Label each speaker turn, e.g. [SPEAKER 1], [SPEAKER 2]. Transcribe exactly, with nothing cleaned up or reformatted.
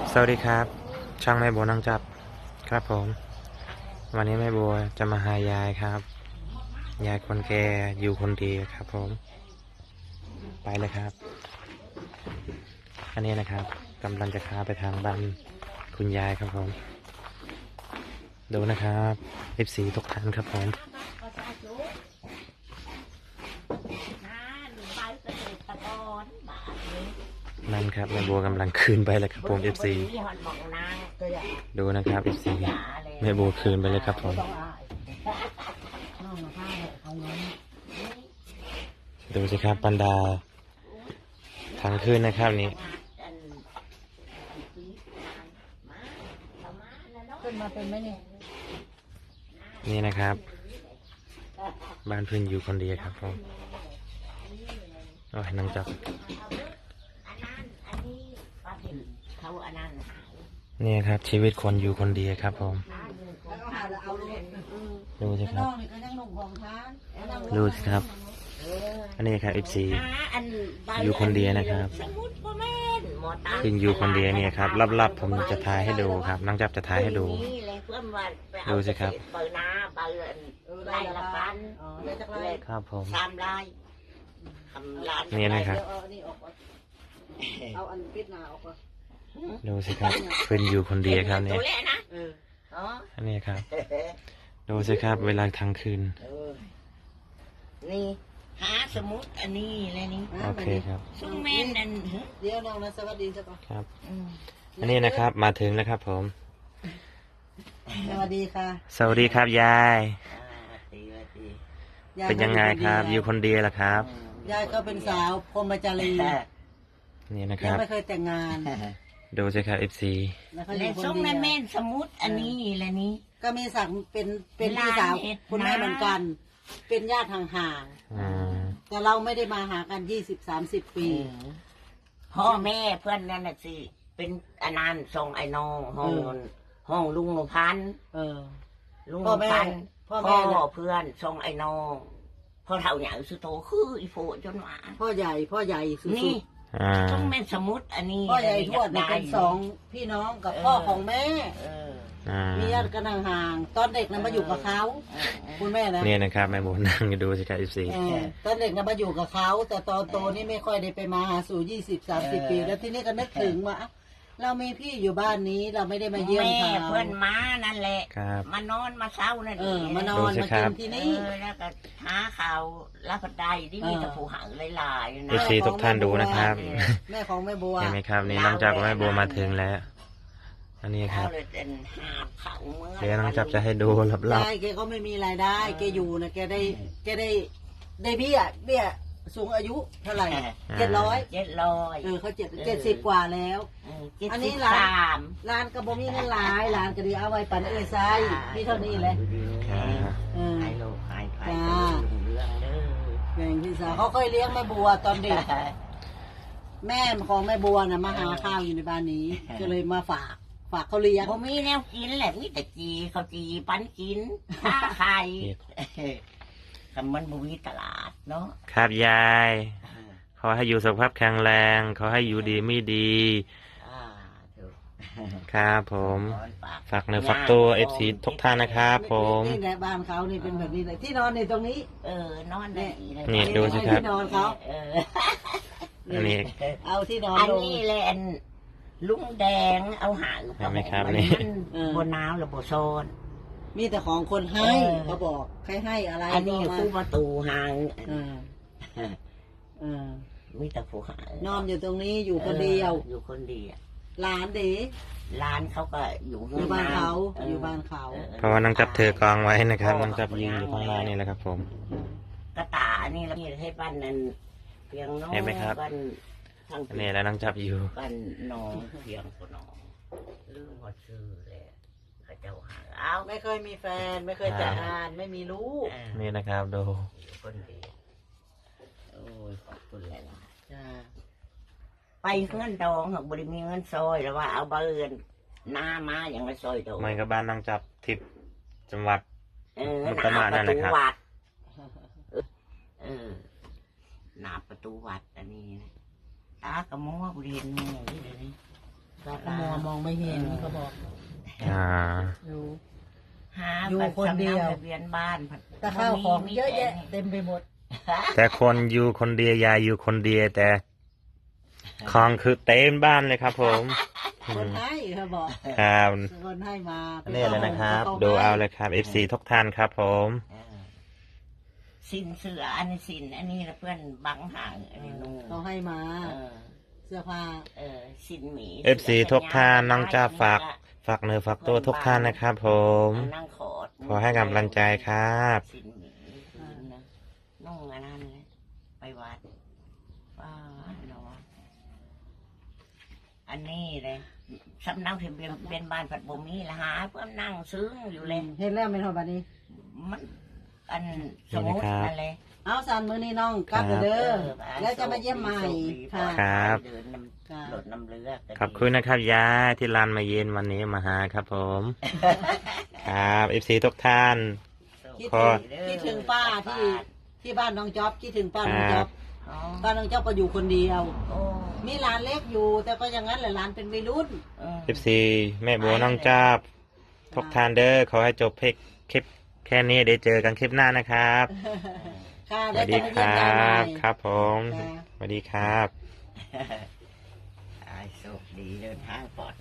[SPEAKER 1] สวัสดีครับช่างแม่บัวนังจับครับผมวันนี้แม่บัวจะมาหายายครับยายคนแก่อยู่คนเดียวครับผมไปเลยครับอันนี้นะครับกำลังจะพาไปทางบ้านคุณยายครับผมดูนะครับเอฟซีทุกท่านครับผมนั่นครับแม่บัวกำลังคืนไปเลยครับผมเอฟซีดูนะครับเอฟซีแม่บัวคืนไปเลยครับผมดูสิครับบรรดาทางคืนนะครับนี่
[SPEAKER 2] ขึ้นมาเป็นไหมนี่
[SPEAKER 1] นี่นะครับบ้านเพื่อนอยู่คนเดียวครับผมโอ้ยนั่งจับนี่ครับชีวิตคนอยู่คนเดียวครับผมดูสิครับดูสิครับอันนี้ครับเอฟซีอยู่คนเดียวนะครับขึ้นอยู่คนเดียวเนี่ยครับลับๆผมจะถ่ายให้ดูครับนั่งจับจะถ่ายให้ดูดูสิครับครับผมนี่นะครับดูสิครับเป็นอยู่คนเดียวครับเนี่ยอันนี้ครับดูสิครับเวลาทางคืน
[SPEAKER 3] นี่หาสมุดอันนี้เลยนี่
[SPEAKER 1] โอเคครับ
[SPEAKER 3] ซุ่มแม่นนั่น
[SPEAKER 2] เดี๋ยวน้องนะสวัสดีจ้ะป่ะ
[SPEAKER 1] ครับอันนี้นะครับมาถึงแล้วครับผม
[SPEAKER 2] สวัสดีค่ะ
[SPEAKER 1] สวัสดีครับยายเป็นยังไงครับอยู่คนเดียวล่ะครับ
[SPEAKER 2] ยายก็เป็นสาวพรหมจารี
[SPEAKER 1] นี่นะครับ
[SPEAKER 2] ยังไม่เคยแต่งงาน
[SPEAKER 1] ดูสิครับเอฟซี
[SPEAKER 3] เลยซุ่มแม่แม่นสมุดอันนี้เลยนี่
[SPEAKER 2] ก็มีศักดิ์เป็นเป็นพี่สาวคุณแม่เหมือนกันเป็นญาติห่างๆแต่เราไม่ได้มาหากันยี่สิบสามสิบปี
[SPEAKER 3] พ่อแม่เพื่อนนั่นน่ะสิเป็นอนันต์ทรงไอ้น้องห้องห้องลุงพัน
[SPEAKER 2] เออ
[SPEAKER 3] ลุงพันพ่อแม่เพื่อนทรงไอ้น้องพ่อเท่าใหญ่สุดโตคืออีโฟจนหวาน
[SPEAKER 2] พ่อใหญ่พ่อใหญ่สุด
[SPEAKER 3] นี่ต้องแม่สมุดอันนี้
[SPEAKER 2] พ่อใหญ่ทวดเป็นสองพี่น้องกับพ่อของแม่มีญาติกันห่างๆตอนเด็กนั้นมาอยู่กับเขาคุณแม่นะ
[SPEAKER 1] เนี่ยนะครับแม่บัวนั่งดูสิครับเอฟซี
[SPEAKER 2] ตอนเด็กนั้นมาอยู่กับเขาแต่ตอนโตนี่ไม่ค่อยได้ไปมาหาสู่ยี่สิบสามสิบปีแล้วที่นี่ก็นึกถึงว่าเรามีพี่อยู่บ้านนี้เราไม่ได้มาเยี่ยมเขา
[SPEAKER 3] เพื่อนม้านั่นแหละมานอนมาเช้านั่นเอง
[SPEAKER 2] มานอนมากินที่นี่
[SPEAKER 3] แล้วก็หาข่าวรับปัดได้ที่มีตะปูหางหลายๆนะ
[SPEAKER 1] เอฟซีทุกท่านดูนะครับ
[SPEAKER 2] แม่ของแม่บัว
[SPEAKER 1] เห็นไหมครับนี่น้องจับแม่บัวมาถึงแล้วอันนี้ครับเดี๋ยวน้องจับจะให้ดูลับๆ
[SPEAKER 2] ใช่แกก็ไม่มีรายได้แกอยู่นะแกได้แกได้ได้เบี้ยเบี้ยสูงอายุเท่าไหร่เจ็ดร้อย
[SPEAKER 3] เจ็ดร้อย
[SPEAKER 2] เออเขาเจ็ดเจ็ดสิบกว่าแล้วอันนี้ร้านร้านกระบอกมีเงินหลายร้านก็ดีเอาไว้ปั่นเอ้ยไซมีเท่านี้เลย
[SPEAKER 3] เออไฮโลไฮไฟ
[SPEAKER 2] แบ่งพี่สาวเขาเคยเลี้ยงแม่บัวตอนเด็กแม่ของแม่บัวน่ะมาหาข้าวอยู่ในบ้านนี้ก็เลยมาฝากฝากเขาเลี้ยง
[SPEAKER 3] ผมมีแนวกินแหละมีแต่จีเขาจีปันกินข้าไข่คำมันบุวีตลาดเนาะ
[SPEAKER 1] ครับยายขอให้อยู่สุขภาพแข็งแรงขอให้อยู่ดีไม่ดีครับผมฝากเนื้อฝากตัวเอฟซีทุกท่านนะครับผม
[SPEAKER 2] นี่แหละบ้านเขานี่เป็นแบบนี้เลยที่นอนในตรงนี้
[SPEAKER 3] เออนอนได้
[SPEAKER 1] นี่ดูสิครับ
[SPEAKER 2] ที่นอนเขา
[SPEAKER 1] อันนี้
[SPEAKER 2] เอาที่นอน
[SPEAKER 3] อันนี้แหละลุงแดงเอาหาง
[SPEAKER 1] เห็นไหมครับนี่
[SPEAKER 3] บนน้ำหรือบ่โซน
[SPEAKER 2] มีแต่ของคนให้เขาบอกใครให้อะไร
[SPEAKER 3] อันนี้คู่ประตูหางมีแต่ผู้หาง
[SPEAKER 2] นอนอยู่ตรงนี้อยู่คนเดียว
[SPEAKER 3] อยู่คนเดียว
[SPEAKER 2] ร้านเด็ก
[SPEAKER 3] ร้านเขาก็อยู่
[SPEAKER 2] อยู่บ้านเขาอยู่บ้านเขา
[SPEAKER 1] เพราะว่าน้องจับเธอกองไว้นะครับน้องจับยืนอยู่ข้างหน้านี่แหละครับผม
[SPEAKER 3] กระตานี่เราให้บ้านนั้นเพียงน้องบ้าน
[SPEAKER 1] นี่แล้วน้องจับอยู่
[SPEAKER 3] บ้านน้องเพียงคนน้องลืมว่าชื่อเลยเขาเจ้าหาเอา
[SPEAKER 2] ไม่เคยมีแฟนไม่เคยแต่งงานไม่มีลูก
[SPEAKER 1] นี่นะครับดู
[SPEAKER 3] คนดีโอ้ยขอบคุณเลยนะไปเงินดองหากบริมีเงินซอยแล้วว่าเอาเบอร์หน้ามาอย่างไรซอยดอง
[SPEAKER 1] มันก็บ้านน้องจับทิพย์จังหวัด
[SPEAKER 3] มุกดาหารนั่นแหละครับเออหน้าประตูวัดอันนี้ตากระมัวเรียนนี่นี่เลยนี่ตากระมัว
[SPEAKER 2] มองไม่เห็นเขาบอก
[SPEAKER 1] อ่า
[SPEAKER 2] อยู่
[SPEAKER 3] หา
[SPEAKER 2] อยู่
[SPEAKER 3] บัตร
[SPEAKER 2] คนเดียว
[SPEAKER 3] สำนักทะเบียนบ้านผัด
[SPEAKER 2] แต่ข้าวของ
[SPEAKER 3] มี
[SPEAKER 2] เยอะแยะ
[SPEAKER 3] มี
[SPEAKER 2] เต็มไปหมด
[SPEAKER 1] แต่คนอยู่คนเดียวยายอยู่คนเดียวแต่ของคือเต็มบ้านเลยครับผมอื
[SPEAKER 2] คน
[SPEAKER 1] ม
[SPEAKER 2] ให้เขาบอก
[SPEAKER 1] ครับ
[SPEAKER 2] คนให้มา
[SPEAKER 1] นี่เลยนะครับ
[SPEAKER 2] ป็
[SPEAKER 1] ดู
[SPEAKER 2] ขง
[SPEAKER 1] เอาเลยครับ เอฟ ซี ทุกท่านครับผม
[SPEAKER 3] เออสินเสืออันนี้สินอันนี้นะเพื่อนบังห่างอันนี้นุ่ง
[SPEAKER 2] เขาให้มา
[SPEAKER 3] เออ
[SPEAKER 2] เสื้อผ้า
[SPEAKER 3] เออสินหมี
[SPEAKER 1] เอฟ ซี ทุกท่านน้องจ้าฝากฝากเนื้อฝากตัวทุกท่านนะครับผม
[SPEAKER 3] นั่งขอด
[SPEAKER 1] ขอให้กำลังใจครับ
[SPEAKER 3] สินหมีคืนนะนุ่งอันนั้นเลยไปวัดว้าวเนาะอันนี้เลยสำนักทะเบียนเป็นบ้านผัดบ่มีละหาเพื่อนนั่งซึ้งอยู่เลย
[SPEAKER 2] เห็นแล้วเป็นคนบัดนี้
[SPEAKER 3] มันอันสมุดนั่นเลย
[SPEAKER 2] เอาสารมือนี่น้องกลับเด้อแล้วจะมาเยี่ยมใหม่ค่ะ
[SPEAKER 1] ครับ
[SPEAKER 3] เดินน้ำรถน้ำเรือก็ดี
[SPEAKER 1] ขอบคุณนะครับยายที่ลานมาเย็นวันนี้มาหาครับผม ครับ เอฟ ซี ทุกท่าน
[SPEAKER 2] คิด
[SPEAKER 1] ขอ
[SPEAKER 2] ถึงคิดถึงป้าที่ที่บ้านน้องจ๊อบคิดถึงป้าน้องจ๊อบ
[SPEAKER 3] อ๋อ
[SPEAKER 2] ป้าน้องจ๊อบก็อยู่คนเดียว
[SPEAKER 3] โอ้
[SPEAKER 2] มีหลานเล็กอยู่ แต่ก็อย่างนั้นแหละหลานเป็นวัยรุ่น
[SPEAKER 3] เออ
[SPEAKER 1] เอฟ ซี แม่บัวน้องจ้าบทุกท่านเด้อขอให้จบเพลงคลิปแค่นี้เดี๋ยวเจอกันคลิปหน้านะครับ
[SPEAKER 2] ค่ะ
[SPEAKER 1] ส
[SPEAKER 2] ได้
[SPEAKER 1] วัสดี
[SPEAKER 2] จะมา
[SPEAKER 1] ค
[SPEAKER 2] เยี่ยม
[SPEAKER 1] รั
[SPEAKER 2] ยายใหม่
[SPEAKER 1] บ ครับผม
[SPEAKER 2] ค่ะ
[SPEAKER 1] สวัสดีครับ
[SPEAKER 3] ไอ้โชคดีเดินทางปลอด